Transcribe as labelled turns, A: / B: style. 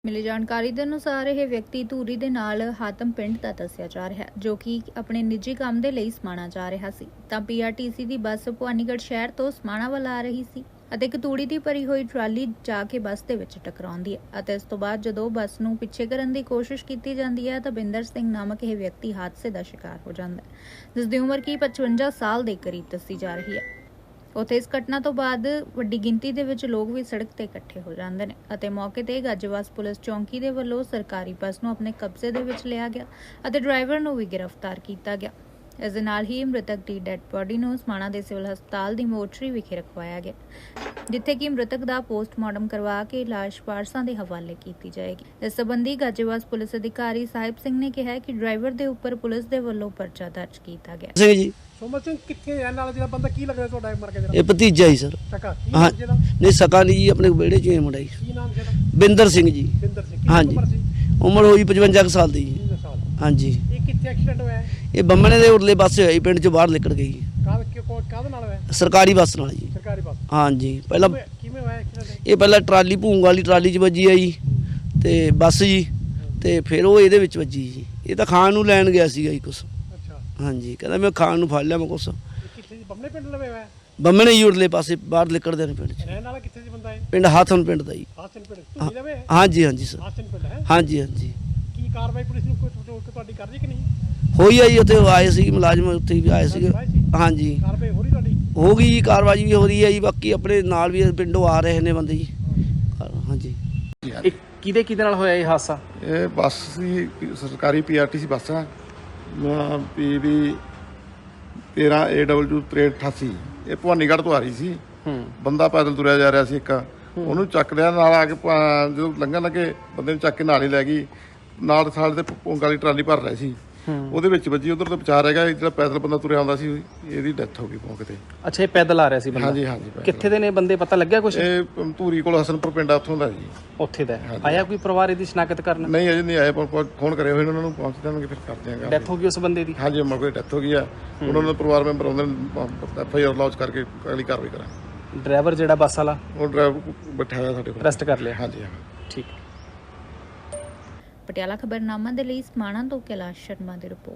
A: ਮਿਲੀ ਜਾਣਕਾਰੀ ਦੇ ਅਨੁਸਾਰ ਇਹ ਵਿਅਕਤੀ ਧੂਰੀ ਦੇ ਨਾਲ ਹਾਤਮ ਪਿੰਡ ਦਾ ਦੱਸਿਆ ਜਾ ਰਿਹਾ ਹੈ, ਜੋ ਕਿ ਆਪਣੇ ਨਿੱਜੀ ਕੰਮ ਦੇ ਲਈ ਸਮਾਣਾ ਜਾ ਰਿਹਾ ਸੀ ਤਾਂ ਪੀਆਰਟੀਸੀ ਦੀ ਬੱਸ ਭਵਾਨੀਗੜ੍ਹ ਸ਼ਹਿਰ ਤੋਂ ਸਮਾਣਾ ਵੱਲ ਆ ਰਹੀ ਸੀ ਅਤੇ ਇੱਕ ਤੂੜੀ ਦੀ ਭਰੀ ਹੋਈ ਟਰਾਲੀ ਜਾ ਕੇ ਬੱਸ ਦੇ ਵਿੱਚ ਟਕਰਾਉਂਦੀ ਹੈ ਅਤੇ ਇਸ ਤੋਂ ਬਾਅਦ ਜਦੋਂ ਬੱਸ ਨੂੰ ਪਿੱਛੇ ਕਰਨ ਦੀ ਕੋਸ਼ਿਸ਼ ਕੀਤੀ ਜਾਂਦੀ ਹੈ ਤਾਂ ਬਿੰਦਰ ਸਿੰਘ ਨਾਮਕ ਇਹ ਵਿਅਕਤੀ ਹਾਦਸੇ ਦਾ ਸ਼ਿਕਾਰ ਹੋ ਜਾਂਦਾ ਹੈ, ਜਿਸ ਦੀ ਉਮਰ ਕੀ 55 ਸਾਲ ਦੇ ਕਰੀਬ ਦੱਸੀ ਜਾ ਰਹੀ ਹੈ। ਉੱਥੇ ਇਸ ਘਟਨਾ ਤੋਂ ਬਾਅਦ ਵੱਡੀ ਗਿਣਤੀ ਦੇ ਵਿੱਚ ਲੋਕ ਵੀ ਸੜਕ ਤੇ ਇਕੱਠੇ ਹੋ ਜਾਂਦੇ ਨੇ ਅਤੇ ਮੌਕੇ ਤੇ ਗਾਜੀਵਾਸ ਪੁਲਿਸ ਚੌਂਕੀ ਦੇ ਵੱਲੋਂ ਸਰਕਾਰੀ ਬੱਸ ਨੂੰ ਆਪਣੇ ਕਬਜ਼ੇ ਦੇ ਵਿੱਚ ਲਿਆ ਗਿਆ ਅਤੇ ਡਰਾਈਵਰ ਨੂੰ ਵੀ ਗ੍ਰਿਫਤਾਰ ਕੀਤਾ ਗਿਆ। ਇਸ ਦੇ ਨਾਲ ਹੀ ਮ੍ਰਿਤਕ ਦੀ ਡੈਡ ਬੋਡੀ ਨੂੰ ਸਮਾਣਾ ਦੇ ਸਿਵਲ ਹਸਪਤਾਲ ਦੀ ਮੋਰਚਰੀ ਵਿਖੇ ਰਖਵਾਇਆ ਗਿਆ, ਜਿੱਥੇ ਕਿ ਮ੍ਰਿਤਕ ਦਾ ਪੋਸਟਮਾਰਟਮ ਕਰਵਾ ਕੇ ਲਾਸ਼ ਵਾਰਸਾਂ ਦੇ ਹਵਾਲੇ ਕੀਤੀ ਜਾਏਗੀ। ਇਸ ਸੰਬੰਧੀ ਗਾਜੀਵਾਸ ਪੁਲਿਸ ਅਧਿਕਾਰੀ ਸਾਹਿਬ ਸਿੰਘ ਨੇ ਕਿਹਾ ਕਿ ਡਰਾਈਵਰ ਦੇ ਉੱਪਰ ਪੁਲਿਸ ਦੇ ਵੱਲੋਂ ਪਰਚਾ ਦਰਜ ਕੀਤਾ ਗਿਆ।
B: ਸਿੰਘ ਜੀ
C: ਸੋਮਰ ਸਿੰਘ ਕਿੱਥੇ ਰਹਿਣ ਵਾਲਾ ਜਿਹੜਾ ਬੰਦਾ ਕੀ ਲੱਗਦਾ ਤੁਹਾਡਾ ਮਰ ਗਿਆ
B: ਇਹ ਭਤੀਜਾ ਹੀ ਸਰ।
C: ਸਕਾ ਕੀ
B: ਹਾਂ
C: ਨਾਮ ਜਿਹਦਾ
B: ਨਹੀਂ ਸਕਾ ਨਹੀਂ ਜੀ, ਆਪਣੇ ਵਿਹੜੇ 'ਚ ਹੀ ਮੁੰਡਾ ਜੀ।
C: ਕੀ ਨਾਮ ਜਿਹਦਾ
B: ਬਿੰਦਰ ਸਿੰਘ ਜੀ।
C: ਬਿੰਦਰ ਸਿੰਘ
B: ਹਾਂਜੀ।
C: ਉਮਰ ਸੀ
B: ਉਮਰ ਹੋਈ 55 ਕੁ ਸਾਲ ਦੀ ਜੀ।
C: 3 ਸਾਲ।
B: ਹਾਂਜੀ
C: ਇਹ ਕਿੱਥੇ ਐਕਸੀਡੈਂਟ ਹੋਇਆ ਹੈ?
B: ਇਹ ਬੰਮਣੇ ਦੇ ਉਰਲੇ ਪਾਸੇ ਹੋਈ, ਪਿੰਡ 'ਚੋਂ ਬਾਹਰ ਨਿਕਲ ਗਈ
C: ਕਾਹਦੇ ਨਾਲ ਹੋਇਆ?
B: ਸਰਕਾਰੀ ਬੱਸ ਨਾਲ ਜੀ।
C: ਸਰਕਾਰੀ ਬੱਸ।
B: ਹਾਂਜੀ ਪਹਿਲਾਂ
C: ਕਿਵੇਂ ਹੋਇਆ ਐਕਸੀਡੈਂਟ?
B: ਇਹ ਪਹਿਲਾਂ ਟਰਾਲੀ ਭੂੰਗ ਵਾਲੀ ਟਰਾਲੀ 'ਚ ਵੱਜੀ ਆ ਜੀ ਤੇ ਬੱਸ ਜੀ, ਤੇ ਫਿਰ ਉਹ ਇਹਦੇ ਵਿੱਚ ਵੱਜੀ ਜੀ। ਇਹ ਤਾਂ ਖਾਣ ਨੂੰ ਲੈਣ ਗਿਆ ਸੀਗਾ ਜੀ ਕੁਛ।
C: ਅੱਛਾ।
B: ਹਾਂਜੀ ਕਹਿੰਦਾ ਮੈਂ ਖਾਣ ਨੂੰ ਫੜ ਲਿਆ ਮੈਂ ਕੁਛ।
C: ਇਹ ਕਿੱਥੇ ਜੀ ਬੰਮੇ ਪਿੰਡ ਲਵੇ ਹੋਇਆ?
B: ਬੰਮਣੇ ਜੀ ਉਰਲੇ ਪਾਸੇ ਬਾਹਰ ਨਿਕਲਦੇ ਨੇ ਪਿੰਡ 'ਚ।
C: ਰਹਿਣ ਵਾਲਾ ਕਿੱਥੇ ਜੀ ਬੰਦਾ ਹੈ?
B: ਪਿੰਡ ਹਾਥਨ ਪਿੰਡ ਦਾ ਜੀ।
C: ਹਾਸਨ ਪਿੰਡ ਤੁਸੀਂ ਲਵੇ ਹੈ?
B: ਹਾਂਜੀ ਹਾਂਜੀ ਸਰ।
C: ਹਾਸਨ ਪਿੰਡ ਹੈ।
B: ਹਾਂਜੀ ਹਾਂਜੀ
C: ਕੀ ਕਾਰਵਾਈ ਪੁਲਿਸ ਨੂੰ ਕੋਈ ਤੁਹਾਡੀ ਕਰ ਰਹੀ ਕਿ ਨਹੀਂ?
B: ਹੋਈ ਆ ਜੀ, ਉੱਥੇ ਆਏ ਸੀ ਮੁਲਾਜ਼ਮ, ਉੱਥੇ ਵੀ ਆਏ ਸੀਗੇ। ਹਾਂਜੀ
C: ਕਾਰਵਾਈ ਹੋ ਰਹੀ ਤੁਹਾਡੀ?
B: ਹੋ ਗਈ ਜੀ, ਕਾਰਵਾਈ ਵੀ ਹੋ ਰਹੀ ਹੈ ਜੀ। ਬਾਕੀ ਆਪਣੇ ਨਾਲ ਵੀ ਪਿੰਡੋਂ ਆ ਰਹੇ ਨੇ ਬੰਦੇ ਜੀ। ਹਾਂਜੀ
D: ਇਹ ਕਿਹਦੇ ਨਾਲ ਹੋਇਆ ਇਹ ਹਾਦਸਾ?
E: ਇਹ ਬੱਸ ਸੀ, ਸਰਕਾਰੀ ਪੀਆਰਟੀਸੀ ਬੱਸ ਆ PB 13AW 6388। ਇਹ ਭਵਾਨੀਗੜ੍ਹ ਤੋਂ ਆ ਰਹੀ ਸੀ। ਬੰਦਾ ਪੈਦਲ ਤੁਰਿਆ ਜਾ ਰਿਹਾ ਸੀ ਇੱਕ, ਉਹਨੂੰ ਚੱਕ ਲਿਆ ਨਾਲ ਆ ਕੇ ਜਦੋਂ ਲੰਘਣ ਲੱਗੇ ਬੰਦੇ ਨੂੰ ਚੱਕ ਕੇ ਨਾਲ ਹੀ ਲੈ ਗਈ। ਨਾਲ ਸਾਲ ਤੇ ਪੌਂਗ ਵਾਲੀ ਟਰਾਲੀ ਭਰ ਰਹੀ ਸੀ, ਉਹਦੇ ਵਿੱਚ ਵੱਜੀ। ਉਧਰ ਤੋਂ ਬਚਾ ਰਹਿ ਗਿਆ, ਜਿਹੜਾ ਪੈਦਲ ਬੰਦਾ ਤੁਰਿਆ ਆਉਂਦਾ ਸੀ ਇਹਦੀ ਡੈਥ ਹੋ ਗਈ ਮੌਕੇ ਤੇ।
D: ਅੱਛਾ, ਇਹ ਪੈਦਲ ਆ ਰਿਹਾ ਸੀ ਬੰਦਾ?
E: ਹਾਂਜੀ ਹਾਂਜੀ।
D: ਕਿੱਥੇ ਦੇ ਨੇ ਬੰਦੇ, ਪਤਾ ਲੱਗਿਆ ਕੁਝ?
E: ਇਹ ਧੂਰੀ ਕੋਲ ਹਸਨਪੁਰ ਪਿੰਡ ਆ, ਉੱਥੋਂ ਦਾ ਜੀ।
D: ਉੱਥੇ ਦਾ ਆਇਆ ਕੋਈ ਪਰਿਵਾਰ ਇਹਦੀ ਸ਼ਨਾਖਤ ਕਰਨ?
E: ਨਹੀਂ ਅਜੇ ਨਹੀਂ ਆਏ, ਫੋਨ ਕਰੇ ਹੋਏ ਉਹਨਾਂ ਨੂੰ, ਪਹੁੰਚ ਜਾਣਗੇ ਫਿਰ ਕਰਦੇ ਆਂ।
D: ਡੈਥ ਹੋ ਗਈ ਉਸ ਬੰਦੇ ਦੀ?
E: ਹਾਂਜੀ ਮੌਕੇ ਤੇ ਡੈਥ ਹੋ ਗਈ ਆ। ਉਹਨਾਂ ਦੇ ਪਰਿਵਾਰ ਮੈਂਬਰ ਆਉਂਦੇ ਨੇ, FIR ਲੌਂਚ ਕਰਕੇ ਅਗਲੀ ਕਾਰਵਾਈ ਕਰਾਂਗੇ।
D: ਡਰਾਈਵਰ ਜਿਹੜਾ ਬੱਸ ਵਾਲਾ
E: ਉਹ ਡਰਾਈਵਰ ਬੈਠਾ ਹੋਇਆ ਸਾਡੇ ਕੋਲ,
D: ਅਰੈਸਟ ਕਰ ਲਿਆ?
E: ਹਾਂਜੀ ਹਾਂ।
D: ਠੀਕ।
A: ਪਟਿਆਲਾ ਖਬਰਨਾਮਾ ਦੇ ਲਈ ਸਮਾਣਾ ਤੋਂ ਕੈਲਾਸ਼ ਸ਼ਰਮਾ ਦੀ ਰਿਪੋਰਟ।